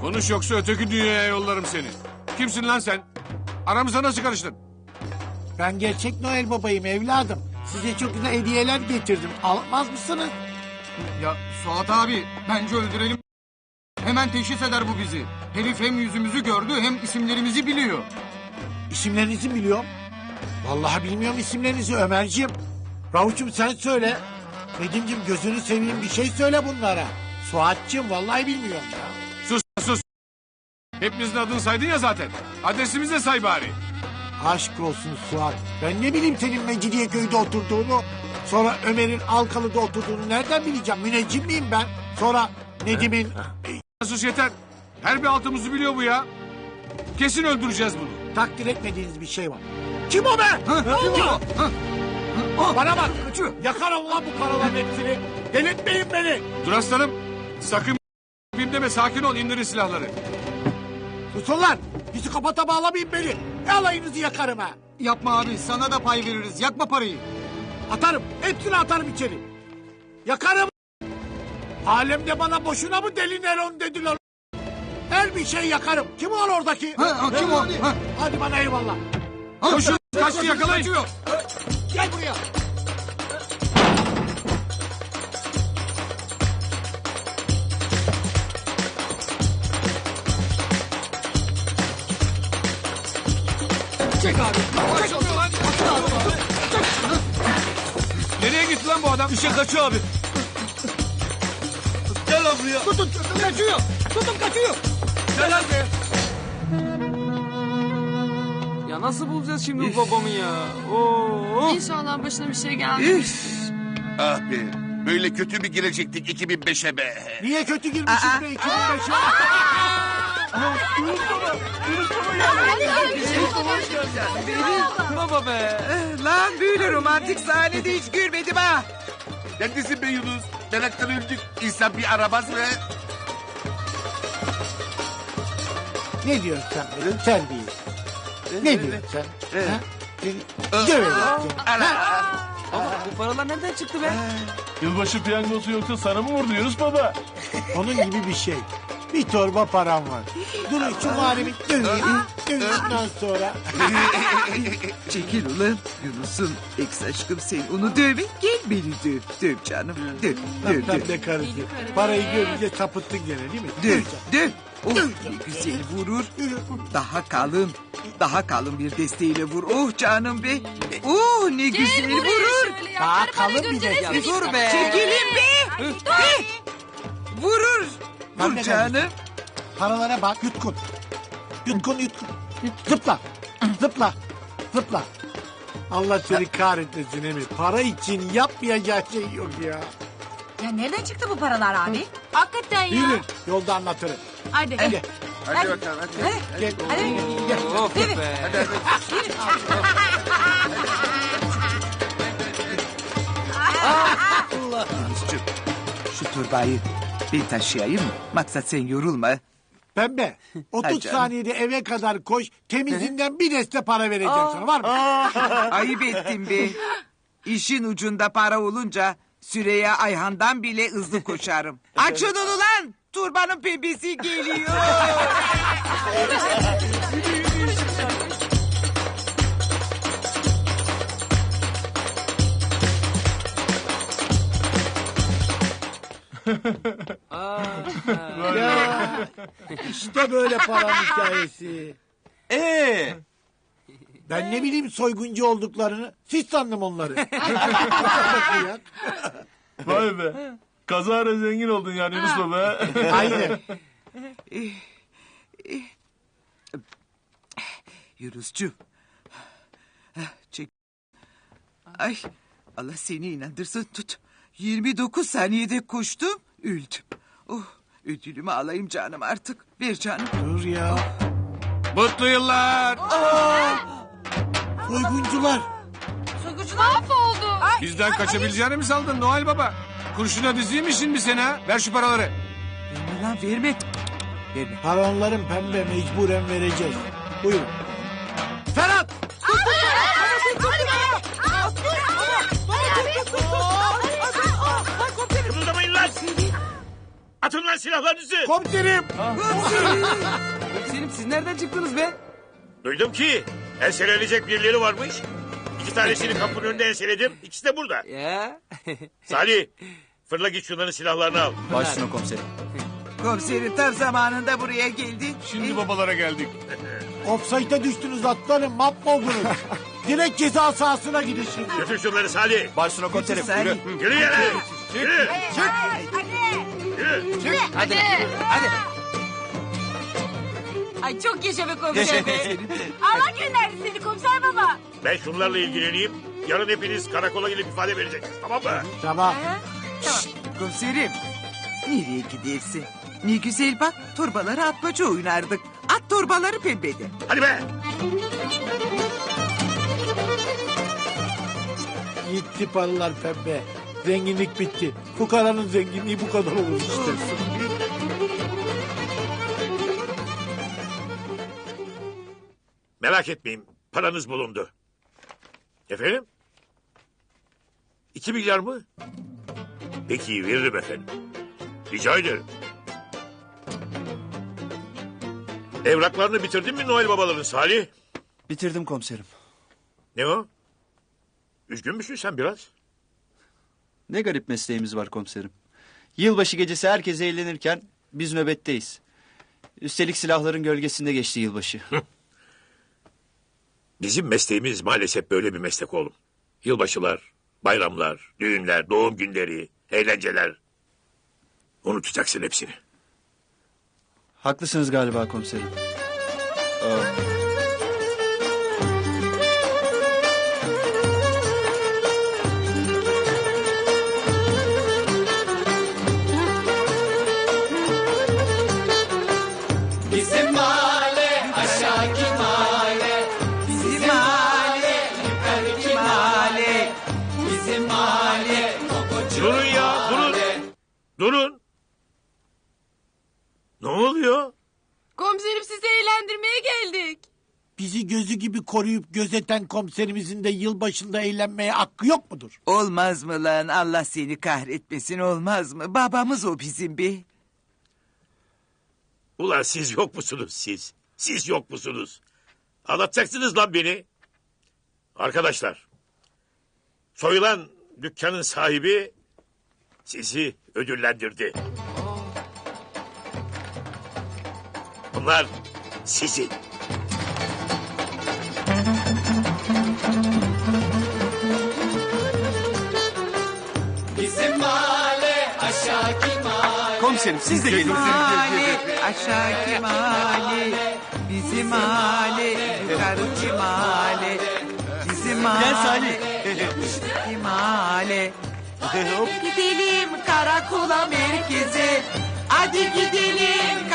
Konuş yoksa öteki dünyaya yollarım seni. Kimsin lan sen? Aramıza nasıl karıştın? Ben gerçek Noel babayım evladım. Size çok güzel hediyeler getirdim. Almaz mısınız? Ya Suat abi bence öldürelim. Hemen teşhis eder bu bizi. Herif hem yüzümüzü gördü hem isimlerimizi biliyor. İsimlerinizi biliyorum. Vallahi bilmiyorum isimlerinizi Ömerciğim. Ravuç'um sen söyle. Nedim'ciğim gözünü seveyim bir şey söyle bunlara. Suat'cığım vallahi bilmiyorum ya. Sus sus. Hepimizin adını saydın ya zaten. Adresimizi de say bari. Aşk olsun Suat. Ben ne bileyim senin Mecidiyeköy'de oturduğunu. Sonra Ömer'in Alkalı'da oturduğunu nereden bileceğim? Müneccim miyim ben? Sonra Nedim'in... Sus yeter. Her bir altımızı biliyor bu ya. Kesin öldüreceğiz bunu. takdir etmediğiniz bir şey var. Kim o be? Kim o? Bana bak. Yakarım lan bu paraların hepsini. Delirtmeyin beni. Dur aslanım. Sakın deme, sakin ol, indirin silahları. Susun lan. Psikopata bağlamayın beni. Alayınızı yakarım ha. Yapma abi sana da pay veririz. Yakma parayı. Atarım. Hepsini atarım içeri. Yakarım. Alemde bana boşuna mı deli Neron dediler. Her bir şey yakarım. Kim o oradaki? Kim o? Hadi bana eyvallah. Koşun, kaçtı, yakalayın. Gel buraya. Çek abi. Nereye gitti lan bu adam? Bir şey kaçıyor abi. Gel lan buraya. Tutun kaçıyor. Tutun kaçıyor. Gel lan. Ya nasıl bulacağız şimdi bu babamı ya? Oo. İnşallah başına bir şey gelmemiş. Ah be. Böyle kötü bir girecektik 2005'e be. Niye kötü girmişiz be 2005'e? Baba be. Lan böyle romantik sahnede hiç görmedim ha. Neredesin be Yunus? Meraktan öldük. İnsan bir aramaz mı? Ne diyorsun sen benim terbiyesiz? Ne diyorsun sen? Ha? Seni döverim seni. Baba bu paralar nereden çıktı be? Yılbaşı piyangosu yoksa sana mı vurdu Yunus baba? Onun gibi bir şey. Bir torba param var. Durun şu muharemi döveyim. Dövdükten sonra. Çekil ulan Yunus'un ex aşkım sen onu dövme gel beni döv. Döv canım döv döv döv. Lan be karısı. Parayı görünce sapıttın gene değil mi? Döv döv. Oh ne güzel vurur. Daha kalın bir desteğiyle vur. Oh canım be. Oh ne güzel vurur. Daha kalın bir de. Ya dur be. Çekilin be. Vurur. Ben Vur de canım. Paralara bak yutkun. Yutkun. Zıpla. Zıpla. Zıpla. Allah seni kahretmesin Emir. Para için yapmayacağı şey yok ya. Ya nereden çıktı bu paralar abi? Hakikaten ya. Yürü. Yolda anlatırım. Hadi. Gel. Hadi bakalım hadi. Gel. Gel. Of be. Yunus'cum şu torbayı ben taşıyayım mı? Maksat sen yorulma. Pembe. 30 Hadi canım. saniyede eve kadar koş. Temizinden bir deste para vereceğim sana. Var mı? Ayıp ettin be. İşin ucunda para olunca Süreyya Ayhan'dan bile hızlı koşarım. Açın onu lan. Turbanın pembesi geliyor. Ya, işte böyle para hikayesi. Ben ne bileyim soyguncu olduklarını. Siz sandım onları. Vay be. Kazara zengin oldun yani Yunus baba. Aynen. Yunus'cum. Çek. Ay Allah seni inandırsın tut. 29 saniyede koştum öldüm. Oh ödülümü alayım canım artık. Ver canım. Dur ya. Mutlu yıllar. Soyguncular. Mahvoldu. Bizden kaçabileceğini mi sandın Noel Baba? Kurşuna diziymişsin mi sen ha? Ver şu paraları. Verme lan verme. Verme. Paronların pembe mecburen vereceğiz. Buyurun. Ferhat! Atın lan silahlarınızı. Komiserim. Komiserim siz nereden çıktınız be? Duydum ki enselenecek birileri varmış. 2 tanesini kapının önünde enseledim. İkisi de burada. Ya. Salih fırla git şunların silahlarını al. Başüstüne komiserim. Komiserim tam zamanında buraya geldik. Şimdi babalara geldik. Offside'e düştünüz atlarım. Mahvoldunuz. Direkt ceza sahasına gidin şimdi. Götür şunları Salih. Başüstüne komiserim. Salih. Yürü. Yürü yere. Yürü. Yürü. Hadi. Hadi. Ay çok yaşa be komiser be. Allah gönderdi seni komiser baba. Ben şunlarla ilgileneyim. Yarın hepiniz karakola gelip ifade vereceksiniz. Tamam mı? Tamam. Komiserim. Nereye gidersin? Ne güzel bak torbaları atmaca oynardık. At torbaları pembede. Hadi be. Gitti paralar pembe. Zenginlik bitti. Fukaranın zenginliği bu kadar olur işte. Merak etmeyin. Paranız bulundu. Efendim? 2 milyar mı? Peki veririm efendim. Rica ederim. Evraklarını bitirdin mi Noel babaların Salih? Bitirdim komiserim. Ne o? Üzgün müsün sen biraz? Ne garip mesleğimiz var komiserim. Yılbaşı gecesi herkes eğlenirken biz nöbetteyiz. Üstelik silahların gölgesinde geçti yılbaşı. Bizim mesleğimiz maalesef böyle bir meslek oğlum. Yılbaşılar, bayramlar, düğünler, doğum günleri, eğlenceler. Unutacaksın hepsini. Haklısınız galiba komiserim. Aa. Durun ya, durun. Durun. Ne oluyor? Komiserim sizi eğlendirmeye geldik. Bizi gözü gibi koruyup gözeten komiserimizin de yılbaşında eğlenmeye hakkı yok mudur? Olmaz mı lan Allah seni kahretmesin olmaz mı? Babamız o bizim be. Ulan siz yok musunuz siz? Siz yok musunuz? Anlatacaksınız lan beni. Arkadaşlar. Soyulan dükkanın sahibi sizi ödüllendirdi. Bunlar sizin. Komiserim siz de gelin. Mahalle aşağı mahalle bizim mahalle yukarı mahalle bizim mahalle. Gel Salih. Bizim mahalle. Gidelim karakola merkeze. Hadi gidelim